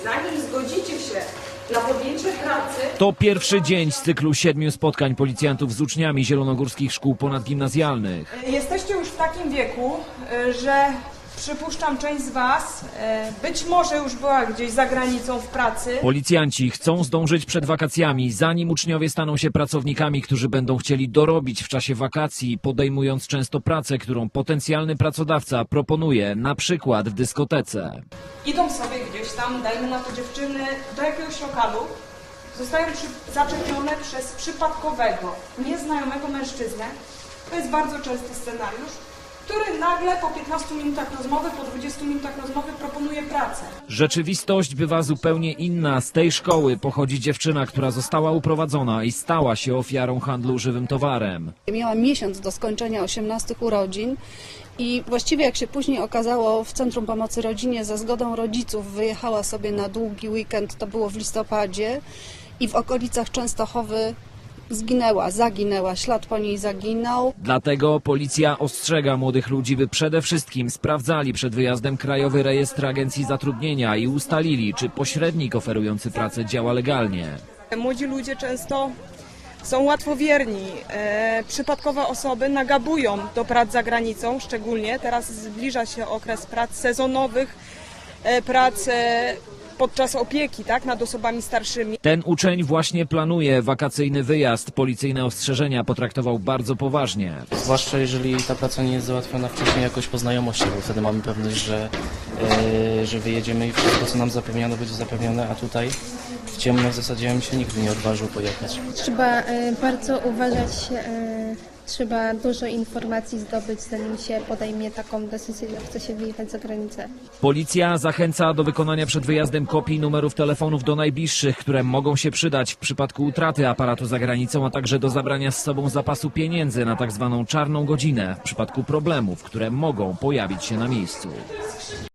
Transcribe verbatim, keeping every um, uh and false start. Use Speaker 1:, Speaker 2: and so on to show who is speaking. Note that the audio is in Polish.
Speaker 1: zanim zgodzicie się na podjęcie pracy...
Speaker 2: To pierwszy dzień z cyklu siedmiu spotkań policjantów z uczniami zielonogórskich szkół ponadgimnazjalnych.
Speaker 1: Jesteście już w takim wieku, że przypuszczam, część z was być może już była gdzieś za granicą w pracy.
Speaker 2: Policjanci chcą zdążyć przed wakacjami, zanim uczniowie staną się pracownikami, którzy będą chcieli dorobić w czasie wakacji, podejmując często pracę, którą potencjalny pracodawca proponuje, na przykład w dyskotece.
Speaker 1: Idą sobie gdzieś tam, dajmy na to dziewczyny, do jakiegoś lokalu, zostają przy, zaczepione przez przypadkowego, nieznajomego mężczyznę. To jest bardzo częsty scenariusz, który nagle po piętnastu minutach rozmowy, po dwudziestu minutach rozmowy proponuje pracę.
Speaker 2: Rzeczywistość bywa zupełnie inna. Z tej szkoły pochodzi dziewczyna, która została uprowadzona i stała się ofiarą handlu żywym towarem.
Speaker 3: Miałam miesiąc do skończenia osiemnastych urodzin i właściwie, jak się później okazało, w Centrum Pomocy Rodzinie za zgodą rodziców wyjechała sobie na długi weekend, to było w listopadzie, i w okolicach Częstochowy zginęła, zaginęła, ślad po niej zaginął.
Speaker 2: Dlatego policja ostrzega młodych ludzi, by przede wszystkim sprawdzali przed wyjazdem Krajowy Rejestr Agencji Zatrudnienia i ustalili, czy pośrednik oferujący pracę działa legalnie.
Speaker 1: Młodzi ludzie często są łatwowierni. E, przypadkowe osoby nagabują do prac za granicą, szczególnie teraz zbliża się okres prac sezonowych, e, prac e, podczas opieki, tak, nad osobami starszymi.
Speaker 2: Ten uczeń właśnie planuje wakacyjny wyjazd. Policyjne ostrzeżenia potraktował bardzo poważnie.
Speaker 4: Zwłaszcza jeżeli ta praca nie jest załatwiona wcześniej jakoś po znajomości, bo wtedy mamy pewność, że, yy, że wyjedziemy i wszystko, co nam zapewniano, będzie zapewnione, a tutaj w ciemno w zasadzie ja bym się nigdy nie odważył pojechać.
Speaker 5: Trzeba y, bardzo uważać, y, trzeba dużo informacji zdobyć, zanim się podejmie taką decyzję, że chce się wyjechać za granicę.
Speaker 2: Policja zachęca do wykonania przed wyjazdem kopii numerów telefonów do najbliższych, które mogą się przydać w przypadku utraty aparatu za granicą, a także do zabrania z sobą zapasu pieniędzy na tak zwaną czarną godzinę w przypadku problemów, które mogą pojawić się na miejscu.